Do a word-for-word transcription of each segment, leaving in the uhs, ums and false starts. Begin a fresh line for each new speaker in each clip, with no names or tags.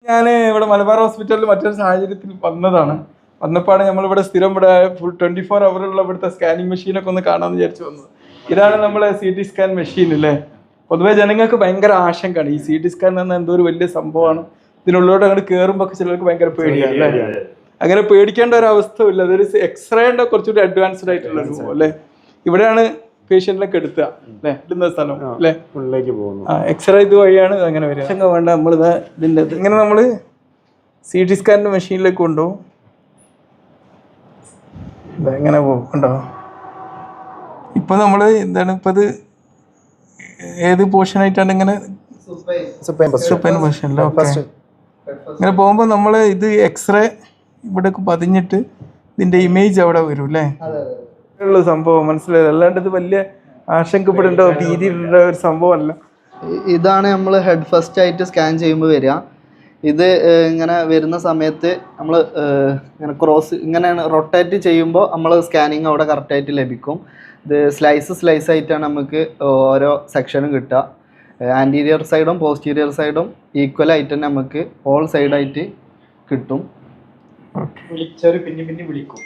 ഞാൻ ഇവിടെ മലബാർ ഹോസ്പിറ്റലിൽ മറ്റൊരു സാഹചര്യത്തിൽ വന്നതാണ്. വന്നപ്പോഴാണ് നമ്മളിവിടെ സ്ഥിരം ഇവിടെ ഫുൾ ട്വന്റി ഫോർ അവറുള്ള ഇവിടുത്തെ സ്കാനിങ് മെഷീനൊക്കെ ഒന്ന് കാണാമെന്ന് വിചാരിച്ചു വന്നത്. ഇതാണ് നമ്മളെ സി ടി സ്കാൻ മെഷീൻ അല്ലേ. പൊതുവെ ജനങ്ങൾക്ക് ഭയങ്കര ആശങ്കയാണ് ഈ സി ടി സ്കാൻ എന്ന എന്തോ ഒരു വലിയ സംഭവമാണ്. ഇതിനുള്ളിലോട്ട് അങ്ങോട്ട് കയറുമ്പോൾ ചിലർക്ക് ഭയങ്കര പേടിയാണ് അല്ലേ. അങ്ങനെ പേടിക്കേണ്ട ഒരു അവസ്ഥയില്ല. അതൊരു എക്സ്റേന്റെ കുറച്ചുകൂടി അഡ്വാൻസ്ഡ് ആയിട്ടുള്ള സംഭവം അല്ലേ. ഇവിടെയാണ് പേഷ്യന്റിലൊക്കെ എടുത്തുക അല്ലേ, ഇടുന്ന സ്ഥലം അല്ലേ.
ഉള്ളിലേക്ക് പോകുന്നു.
ആ എക്സ്റേ ഇത് വഴിയാണ് അങ്ങനെ വരിക. ആശങ്ക വേണ്ട, നമ്മളിത് ഇതിൻ്റെ ഇങ്ങനെ നമ്മൾ സി ടി സ്കാനിൻ്റെ മെഷീനിലേക്ക് കൊണ്ടുപോകും. എങ്ങനെ പോകും കണ്ടോ. ഇപ്പൊ നമ്മള് എന്താണ് ഇപ്പൊ ഇത് ഏത് പോർഷൻ ആയിട്ടാണ് ഇങ്ങനെ ഇങ്ങനെ പോകുമ്പോ നമ്മള് ഇത് എക്സ്റേ ഇവിടെ പതിഞ്ഞിട്ട് ഇതിന്റെ ഇമേജ് അവിടെ വരും അല്ലേ. ഉള്ള സംഭവം മനസ്സിലായത്. അല്ലാണ്ട് ഇത് വലിയ ആശങ്കപ്പെടേണ്ട രീതിയിലുള്ള ഒരു സംഭവമല്ല.
ഇതാണ് നമ്മൾ ഹെഡ് ഫസ്റ്റ് ആയിട്ട് സ്കാൻ ചെയ്യുമ്പോൾ വരിക. ഇത് ഇങ്ങനെ വരുന്ന സമയത്ത് നമ്മൾ ഇങ്ങനെ ക്രോസ് ഇങ്ങനെ റൊട്ടേറ്റ് ചെയ്യുമ്പോൾ നമ്മൾ സ്കാനിങ് അവിടെ കറക്റ്റായിട്ട് ലഭിക്കും. ഇത് സ്ലൈസ് സ്ലൈസ് ആയിട്ടാണ് നമുക്ക് ഓരോ സെക്ഷനും കിട്ടുക. ആൻറ്റീരിയർ സൈഡും പോസ്റ്റീരിയർ സൈഡും ഈക്വൽ ആയിട്ട് തന്നെ നമുക്ക് ഓൾ സൈഡായിട്ട് കിട്ടും.
വിളിച്ചവര് പിന്നെ പിന്നെ വിളിക്കും,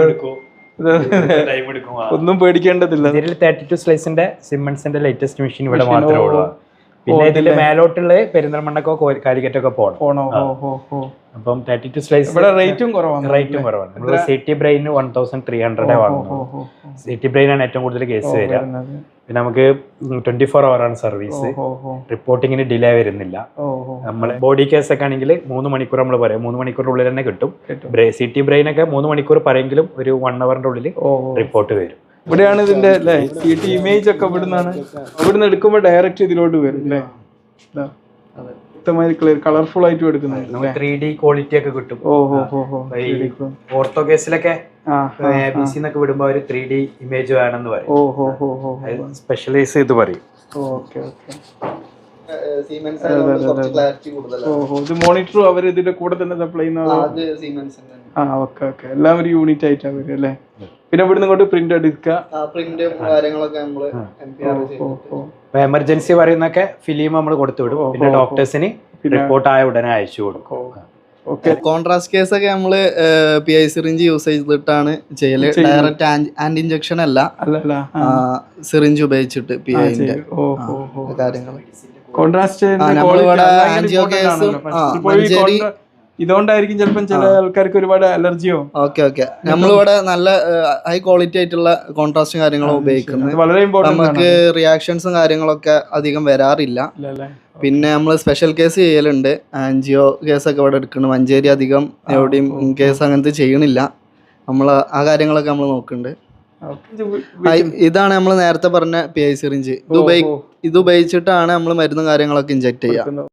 ഒന്നും പേടിക്കേണ്ടതില്ല.
ഇതിൽ തേർട്ടി ടു സ്ലൈസിന്റെ സിമ്മൺസിന്റെ ലേറ്റസ്റ്റ് മെഷീൻ ഇവിടെ മാത്രമേ ഉള്ളൂ. പിന്നെ ഇതിന്റെ മേലോട്ടുള്ള പെരിന്തൽമണ്ണക്കോ കാലിക്കറ്റൊക്കെ പോകണം. അപ്പം തേർട്ടി ടു സ്ലൈസ്
റേറ്റും കുറവാണ്.
റേറ്റും കുറവാണ്. നമ്മൾ C T brain one thousand three ഹൺഡ്രഡേ വാങ്ങുന്നു. സി ടി ബ്രെയിൻ ആണ് ഏറ്റവും കൂടുതൽ കേസ് വരിക. പിന്നെ നമുക്ക് ട്വന്റി ഫോർ അവർ ആണ് സർവീസ്. റിപ്പോർട്ടിങ്ങിന് ഡിലേ വരുന്നില്ല. നമ്മൾ ബോഡി കേസ് ഒക്കെ ആണെങ്കിൽ മൂന്ന് മണിക്കൂർ നമ്മൾ പറയാം, മൂന്ന് മണിക്കൂറിനുള്ളിൽ തന്നെ കിട്ടും. സി ടി ബ്രെയിൻ ഒക്കെ മൂന്ന് മണിക്കൂർ പറയെങ്കിലും ഒരു വൺ അവറിന്റെ ഉള്ളിൽ റിപ്പോർട്ട് വരും.
ഇവിടെയാണ് ഇതിന്റെ അല്ലേ സി ടി ഇമേജ് ഒക്കെ ഇവിടുന്നാണ്. ഇവിടുന്ന് എടുക്കുമ്പോൾ ഡയറക്റ്റ് ഇതിലോട്ട് വരും അല്ലേ. വ്യക്തമായി ക്ലിയർ കളർഫുൾ ആയിട്ട് എടുക്കുന്നത്.
ത്രീ ഡി ക്വാളിറ്റി ഒക്കെ കിട്ടും. ഓർത്തോ കേസിലൊക്കെ വിടുമ്പോ ഒരു ത്രീ ഡി ഇമേജ് വേണമെന്ന് പറയും. സ്പെഷ്യലൈസ് ചെയ്ത് പറയും.
മോണിറ്റർ അവർ ഇതിന്റെ കൂടെ തന്നെ സപ്ലൈ ചെയ്യുന്ന. ആ ഓക്കെ ഓക്കെ എല്ലാം ഒരു യൂണിറ്റ് ആയിട്ടാണ് വരും അല്ലേ. പിന്നെ ഇവിടുന്ന് ഇങ്ങോട്ട് പ്രിന്റ് എടുക്കുക.
എമർജൻസി പറയുന്നൊക്കെ ഫിലിം നമ്മൾ കൊടുത്തു വിടും. പിന്നെ ഡോക്ടേഴ്സിന് റിപ്പോർട്ട് ആയ ഉടനെ അയച്ചു കൊടുക്കും.
കോൺട്രാസ്റ്റ് കേസ് ഒക്കെ നമ്മള് പി ഐ സിറിഞ്ച് യൂസ് ചെയ്തിട്ടാണ് ചെയ്യല്. ഡയറക്റ്റ് ആന്റി ഇഞ്ചക്ഷൻ അല്ല, സിറിഞ്ച് ഉപയോഗിച്ചിട്ട് പി ഐന്റെ കാര്യങ്ങൾ.
കോൺട്രാസ്റ്റ്
ആൻജിയോ കേസും മഞ്ചേരി
ഇതുകൊണ്ടായിരിക്കും ചിലപ്പോൾ ചില ആൾക്കാർക്ക് ഒരുപാട് അലർജിയോ.
ഓക്കെ ഓക്കെ നമ്മളിവിടെ നല്ല ഹൈ ക്വാളിറ്റി ആയിട്ടുള്ള കോൺട്രാസ്റ്റും കാര്യങ്ങളും ഉപയോഗിക്കുന്നത്.
വളരെ ഇമ്പോർട്ടന്റ്.
നമുക്ക് റിയാക്ഷൻസും കാര്യങ്ങളൊക്കെ അധികം വരാറില്ല. പിന്നെ നമ്മൾ സ്പെഷ്യൽ കേസ് ചെയ്യലുണ്ട്. ആൻജിയോ കേസൊക്കെ ഇവിടെ എടുക്കുന്നുണ്ട്. മഞ്ചേരി അധികം എവിടെയും കേസ് അങ്ങനത്തെ ചെയ്യണില്ല. നമ്മൾ ആ കാര്യങ്ങളൊക്കെ നമ്മൾ നോക്കുന്നുണ്ട്. ഇതാണ് നമ്മൾ നേരത്തെ പറഞ്ഞ പി ഐ സിറിഞ്ച്. ഇത് ഉപയോഗി ഇത് ഉപയോഗിച്ചിട്ടാണ് നമ്മൾ മരുന്നും കാര്യങ്ങളൊക്കെ ഇഞ്ചെക്ട് ചെയ്യുക.